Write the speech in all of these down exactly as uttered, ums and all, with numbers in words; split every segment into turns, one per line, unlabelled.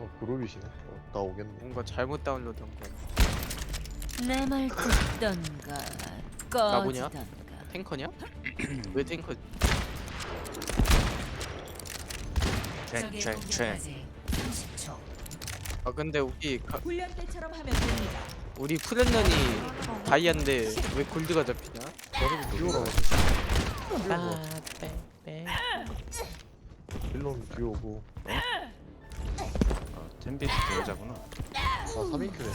어, 그룹이시네. 어, 나 오겠네.
뭔가 잘못 다운로드한 거야.
내 말 듣던가
나보냐?
꺼지던가.
탱커냐? 왜 탱커?
적의
트랙 트랙
공격까지 삼십 초.
아 근데 우리 가,
훈련 때처럼 하면 됩니다.
우리 프렌런이 다이아인데 왜 골드가 잡히냐?
저를 비오라.
아,
빌런 비오고.
어, 템비스 여자구나.
아, 삼 인큐네.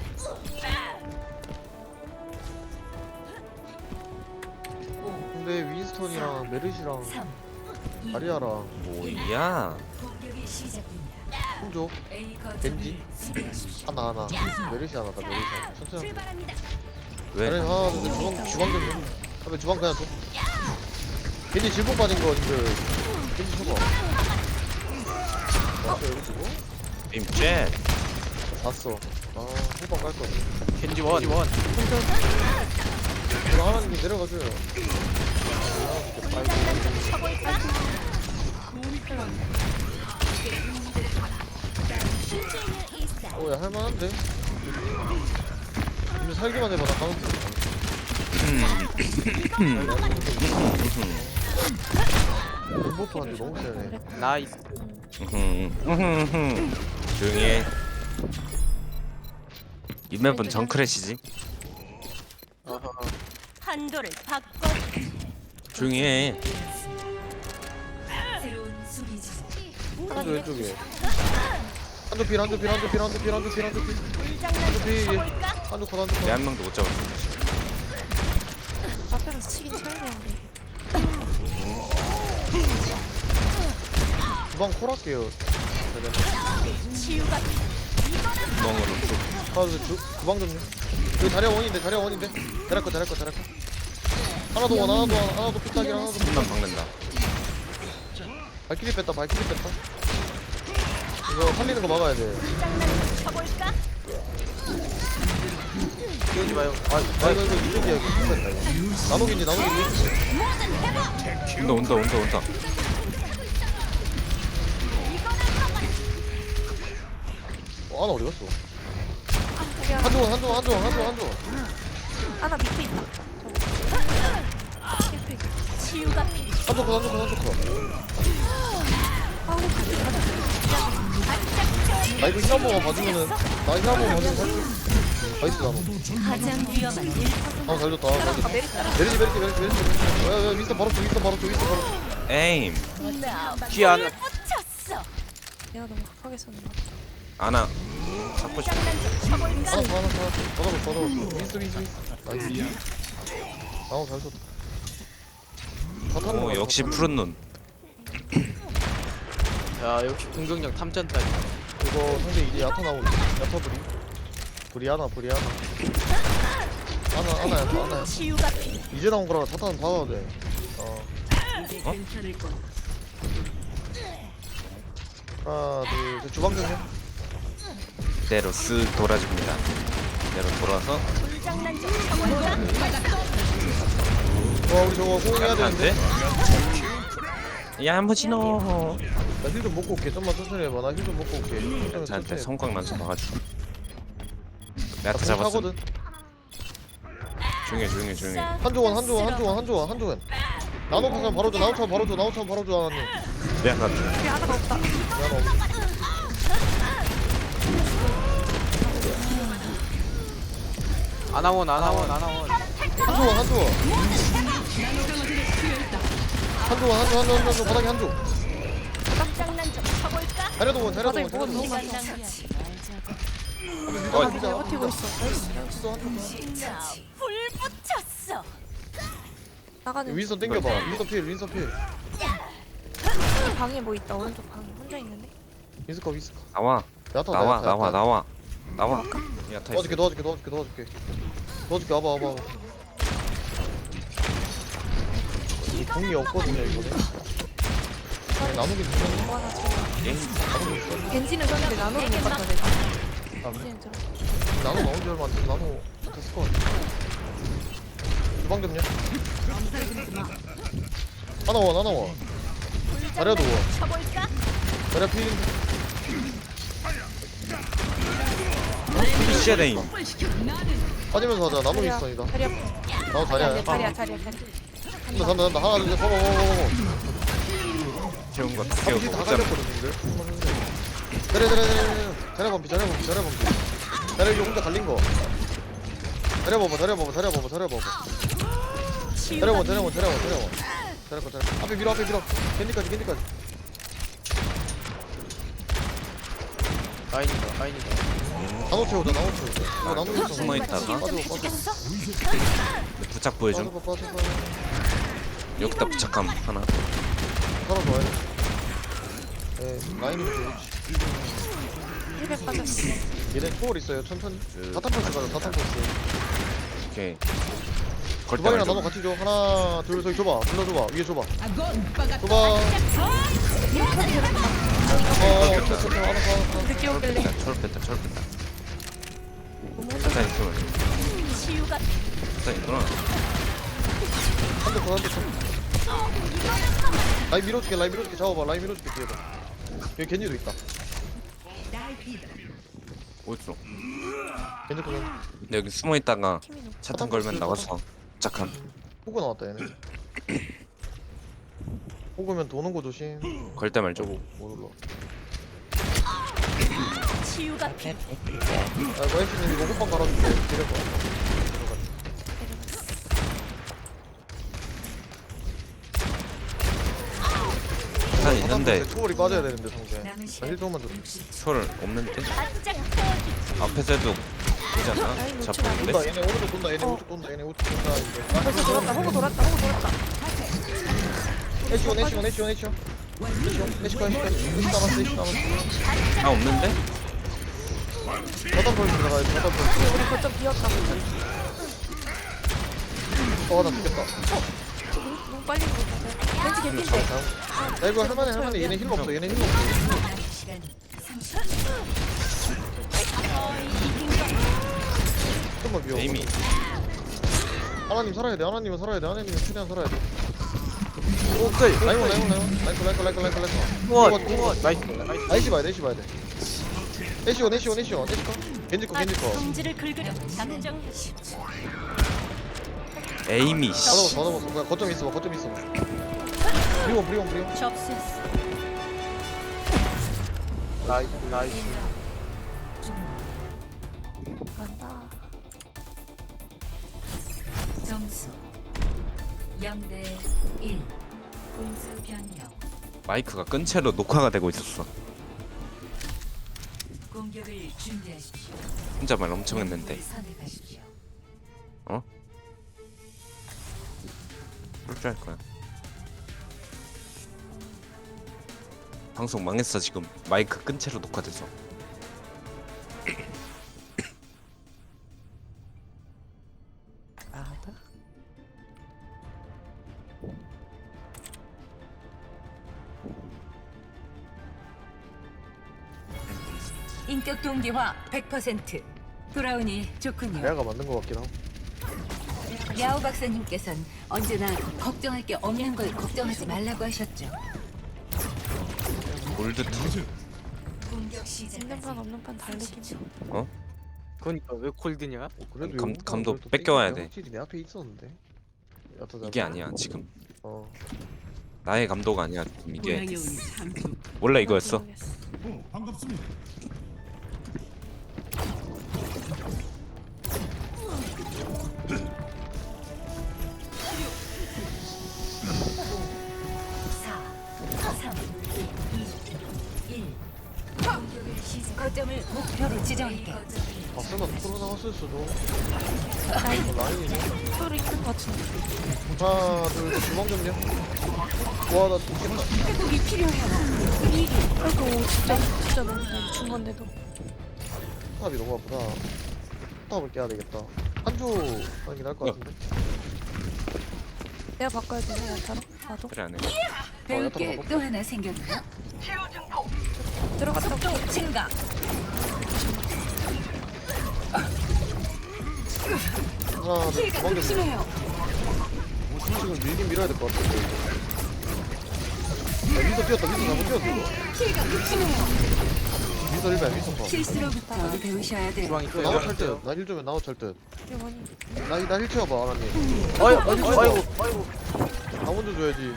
근데 윈스턴이랑 메르시랑
삼, 이,
아리아랑
뭐야?
공격이 시작됩니다.
홍조
A
겐지?
거점을 수비하십시오.
하나 하나. 메르시 하나 다 메르시 하나. 천천히. 하면 돼.
출발합니다.
왜?
아니 하나 근데 주방 주방 좀 해. 그다음에 주방 그냥 줘. 겐지 질풍 빠진 거 님들. 겐지 쳐봐. 맞어 여기 주고?
임쉣.
잤어. 아 호박 깔 거네.
겐지 원, 원.
이거 하나님 내려가줘요. 오야 할만한데? 근데 살기만 해봐 나 가면 돼. 공보토한테 너무 세네.
나이스.
조용히 해. 이 맵은 정크래시지.
어허.
한도를 바꿔.
조용히 해.
새로운 수비 지점.
한조 왼쪽에. 한조 필 한조 필 한조 필 한조 필 한조 필 한조 필 한조 필 한조 컷 한조
내
컷.
한 명도 못 잡았어.
앞에서 치긴 쳐야 되는데.
주방 콜할게요.
구멍으로 쭉.
아, 주, 주방 좀요. 여기 자리야 원인데, 자리야 원인데. 잘할 거, 잘할 거, 잘할 거. 하나 더 원, 하나 더 원, 하나 더 피딱이랑 하나 더
한번
피딱.
박는다.
발키리 뺐다, 발키리 뺐다. 이거 살리는 거 막아야 돼.
끼우지 마요.
아, 아 이거, 이거 이쪽이야, 이거 뺐다, 이거. 나노긴지, 나노긴지.
온다 온다 온다 온다.
어, 하나 어디 갔어? 한조원, 한조원, 한조원, 한조원, 한조원.
하나 밑에 있다.
치유가 필요.
한조 컷, 한조 컷, 한조 컷.
아우 가지 가지.
나 이거 힐 한 번만 봐주면은, 나 힐 한 번만 봐주면 살게. 나이스, 나노.
가장 위험한 일.
아, 잘렸다,
아
잘렸다.
메리 따라.
메리지, 메리지, 메리지, 메리지. 야, 야, 윈스턴 바로 줘, 윈스턴 바로 줘, 윈스턴 바로 줘.
에임.
뒤에 하나.
붙였어.
내가 너무 급하게 썼나?
아나. 잡고 싶어.
하나 더, 하나 더, 하나 더. 더 잡았어, 더 잡았어. 윈스턴, 윈스턴, 윈스턴. 나이스. 나노 잘 썼다. 다 타는
오
거야,
역시
다 타는
푸른 눈.
야 역시 공격력 탐전다니.
거. 이거 상대 이제 야타 나오고 야타 불이 불이 하나 불이 하나 하나 하나 야타 하나 야타.
치유가 필요.
이제 나온 거라 자타는 받아야 돼. 어
괜찮을 거.
하나 둘셋 주방 정리.
대로 쓱 돌아줍니다. 대로 돌아서.
불장난 좀 쳐볼까?
와 우리 저거 호응해야
안
되는데.
돼? 야 한번 신어.
나 힐 좀 먹고 올게. 좀만 천천히 해봐. 나 힐 좀 먹고 올게. 천천히
저한테
천천히.
성광 난서 봐가지고. 내가 다
나
잡았어.
하거든.
조용히 해 조용히 해 조용히 해.
한조원 한조원 한조원 한조원 한조원. 나노 파면 바로 줘. 나노 차 바로 줘. 나노 차 바로 줘 하나님.
내가 다
우리 하나가 없다.
나노.
아나원, 아나원, 아나원.
한조원 한조원. 한조원 한조 한조 한조 바닥에 한조.
불장난 좀 쳐볼까?
자려도 원 자려도
바닥에
원
뭐가 너무
자려도 원.
많다.
어,
잘 버티고 있어. 나이스.
불 붙였어.
나가는
윈선 땡겨봐. 윈선 필 윈선 필.
이 방에 뭐 있다. 오른쪽 방에 혼자 있는데.
윈스커 윈스커.
나와
야타
나와
야타,
나와
야타.
나와 나와. 야 타 있어.
도와줄게 도와줄게 도와줄게 도와줄게 도와줄게 와봐 와봐 와봐. 이 공이 없거든요 이번에. 아니, 나누긴 되네.
뭐 하나 줘.
게임
나누고 있어.
겐지는 썼는데 나노를 못 봤다 내가.
아, 그래?
겐지는 좀.
나누 나온 지 얼마 안 돼서 나누 됐을 것 같아. 주방 좀요. 하나 원 하나 원. 자려도 원.
쳐볼까?
자려 필인데.
쉐레인.
빠지면서 하자. 나노
자리야.
윈스턴이다.
자리야.
나노
자리야.
자리야.
자리야. 자리야. 자리야.
간다 간다 간다. 하나 둘 셋. 서버 서버 서버.
재운 거
앞뒤
태우고
다
먹잖아.
갈렸거든 근데. 자리야 자리야 자리야. 자리야 범피 자리야 범피 자리야 범피. 자리야 이거 혼자 갈린 거. 자리야 봐봐 자리야 봐봐 자리야 봐봐 자리야 봐봐. 자리야 봐 자리야 봐 자리야 봐 자리야 봐. 자리야 봐 자리야. 앞에 밀어 앞에 밀어. 겐지까지 겐지까지.
라인이다 라인이다.
나노 채우자 나노 채우자. 이거 나노 윈스턴.
숨어 있다가
빠져 빠져.
부착 보여줌.
빠져 빠져 빠져.
여기다 부착함 하나.
사람 좋아해. 에 라인이 좋지.
힐백 빠졌어.
얘네 초월 있어요. 천천히.
그-
다탄 펄스 가자. 다탄 펄스.
오케이. 걸
주방이랑
때만
나노 같이 줘. 하나 둘 셋 줘봐. 불러줘봐. 위에 줘봐. 줘봐. 어, 됐다, 됐다. 하나, 하나, 하나.
늦게 오길래.
철 뺐다 철 뺐다.
너무
일단 있으면
치유가
일단 있구나.
한 대 더, 한 대 더. 라인 밀어줄게, 라인 밀어줄게. 잡아봐, 라인 밀어줄게, 뒤에다. 여기 겐지도 있다.
어딨어?
겐지 거 겐지.
근데 여기 숨어 있다가
팀이 높아.
차탄 걸면 나와서 부착함.
호그 나왔다, 얘네. 호그면 도는 거 조심.
걸 때 말죠.
저거, 못 올라.
치유가 필.
아, 이거 헬스님 이거 호빵 갈아줄게. 기다려 봐.
차탄 있는데
초월이 빠져야 되는데, 상대. 나 힐 조금만 줘.
철 없는데
바짝 태워주지.
앞에서도 되잖아.
라인 놓지
잡혔는데.
돈다, 얘네 오른쪽 돈다, 얘네
어.
오른쪽 돈다, 얘네 오른쪽 돈다. 이제.
벌써 돌았다. 호구 돌았다. 호구 돌았다.
애쉬원, 애쉬원, 애쉬원, 애쉬원. 애쉬원, 애쉬카, 애쉬카. 애쉬 남았어, 애쉬 남았어.
아 없는데?
바닥 펄스 들어가야 돼, 바닥 펄스.
우리 거점 비었다.
어, 나 죽겠다.
너무 빨리 죽었다. 왠지 개핀데.
야 이거 할만해 할만해 얘네 힐 없어 얘네 힐 없어 좀만 미워
에이미.
하나님 살아야 돼 하나님은 살아야 돼 하나님은 최대한 살아야 돼
오케이.
라이온 라이온 라이온 라이온 라이온 라이온 라이온 라이온
우와
이거,
우와
이거.
나이스 나이스.
애쉬 봐야 돼 애쉬 봐야 돼 애쉬원 애쉬원 애쉬원 애쉬커 겐지커 겐지커
성질을 긁으려 당장
에이미 씨.
받아봤어 받아봤어 그냥 거점 있어봐 거점 있어봐 브리온 브리온 브리온
접수했어.
나이스 나이스.
간다.
점수 영 대 일. 공수 변경.
마이크가 끈 채로 녹화가 되고 있었어.
공격을 준비하십시오.
혼자 말 엄청 했는데.
선택하십시오.
어? 그럴 줄 알 거야. 방송 망했어 지금. 마이크 끈 채로 녹화돼서.
인격 동기화 백 퍼센트. 돌아오니 좋군요.
내가 만든 거 같긴 하고
야오 박사님께선 언제나 걱정할 게 없는 걸 걱정하지 말라고 하셨죠.
골드 투.
공격
있는 판 없는 판 다르긴 해.
그러니까 왜 콜드냐?
그래도
감-
용감한
감독
걸 또
뺏겨와야
땡기네.
돼.
확실히 내 앞에 있었는데 여튼
이게 아니야 지금.
어
나의 감독 아니야 지금 이게. 원래 이거였어.
모르겠어.
사, 삼, 이, 일. 공격을 시작. 거점을 목표로 지정할게.
아 설마 코로 나왔을 수도
라인.
이거 라인이네
소리 있는 것 같은데.
하나 둘셋 주방 점령 와나 죽겠다
회복이 필요해요.
아이고 진짜 진짜 너무 잘 준 건데도.
탑이 너무 아프다 탑을 깨야 되겠다 한조 하는 게 나을 것 같은데
내가 바꿔야 되나 야타로? 나도.
그래 안 해.
배울 게 또 하나 생겼나?
들어갔다.
속도 증가.
하나 둘
피해가
주방 점령
극심해요.
지금 밀긴 밀어야 될 것 같은데 야 위도 뛰었다 위도 잘못 뛰었어 이거
피해가 극심해요.
윈서 일배 윈서 컷.
실수로부터 배우셔야 돼요.
주방 있어요.
나도 찰듯. 나힐 주면 나도 찰듯.
이게 뭐니?
나나힐 채워봐 하나님.
어이
나 힐
아이고
채워봐.
아이고 아이고.
나 먼저 줘야지.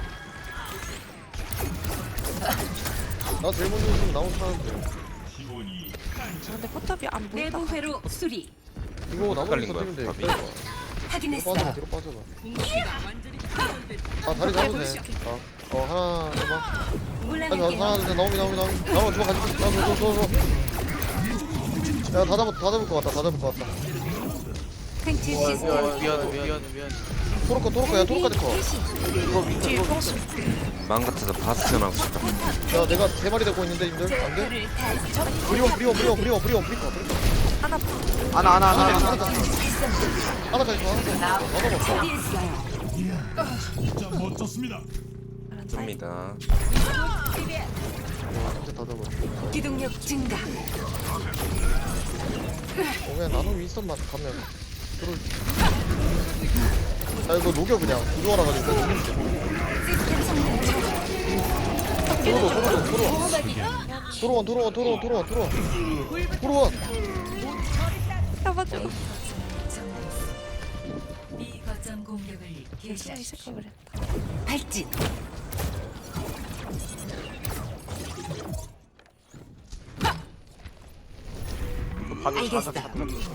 나 제일 먼저 줬으면 나 혼자 하는데.
아, 근데 포탑이 안 보인다.
내부 회로 수리.
이거 나머지
헷갈린
터뜨리면 돼.
거야,
뒤로
확인했어요.
빠져봐 뒤로 빠져봐. 아 다리 잡으면 돼. 어, 어 하나 해봐. 하나
올라갈게요.
하나 둘 나오미 나오미 나오미 나오미 주먹 가지고 나줘줘줘 야다 잡을 다 잡을 것 같다 다 잡을 것 같다.
생체
어,
시스템.
미안 미안 미안 미안.
토르코 토르코 야 토르까지 커.
이거 위치 이거
마음 같아서 바스티온하고 싶다.
야 내가 세 마리 데리고 있는데 님들 안 돼?
불을 다
브리온 브리온 브리온 브리온 브리온 브리온
하나
하나 하나 하나
하나
하나.
더 하나 더 있어 하나 더 있어 하나 더 먹어.
처리했어요.
줍니다.
와 진짜 다 잡아.
기동력 증가.
어 그냥 나노 윈스턴만 가면 들어올. 야 이거 녹여 그냥 구조하라 가지고
시스템 성능 저하.
도로 도로 도로 도로원 도로원 도로원 도로원 도로원 도로원
잡아줘.
이 거점 공격을
진짜 이
개시하십시오.
생각을 했다.
발진.
방금
알겠어.
자석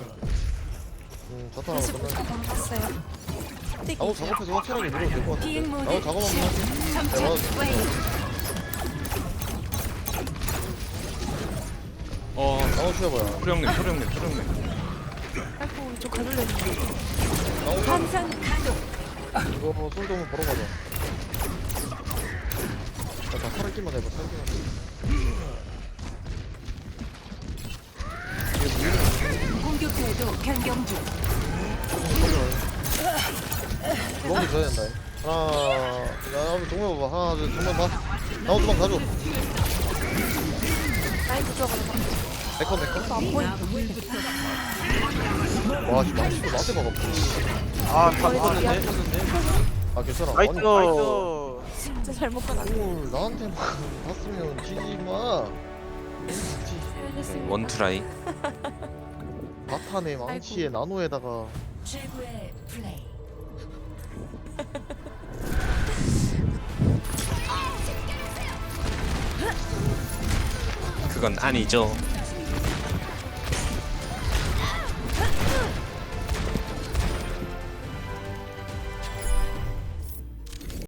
음 자탄 하나 끝나.
봤어요.
나도 작업해서 확실하게 밀어도 될 것 같은데.
비행 모드
나도 작업 한번 할게.
점착
나도
완료.
어,
나도 취해봐요.
소령님, 소령님, 소령님.
아이고 이쪽 가둘려 있네.
나도
환상 가동.
이거 솔도 한번 보러 가자. 나 살기만 해봐 살기만 해.
공격 궤도 변경 중.
주먹이 줘야 된다. 하나, 나 한번 동네 봐봐. 하나, 둘, 두번 봐. 나도 두번 가줘.
라인 부조가
내건 내건.
안 보인다.
와, 진짜 맛있어. 맛에 먹어.
아다 먹었는데.
아, 괜찮아.
나이스.
아니,
나이스.
진짜 잘못 봤다.
뭘 나한테만 봤으면 지지 마.
원 트라이.
바탄에 망치에 나노에다가
최고의 플레이.
그건 아니죠.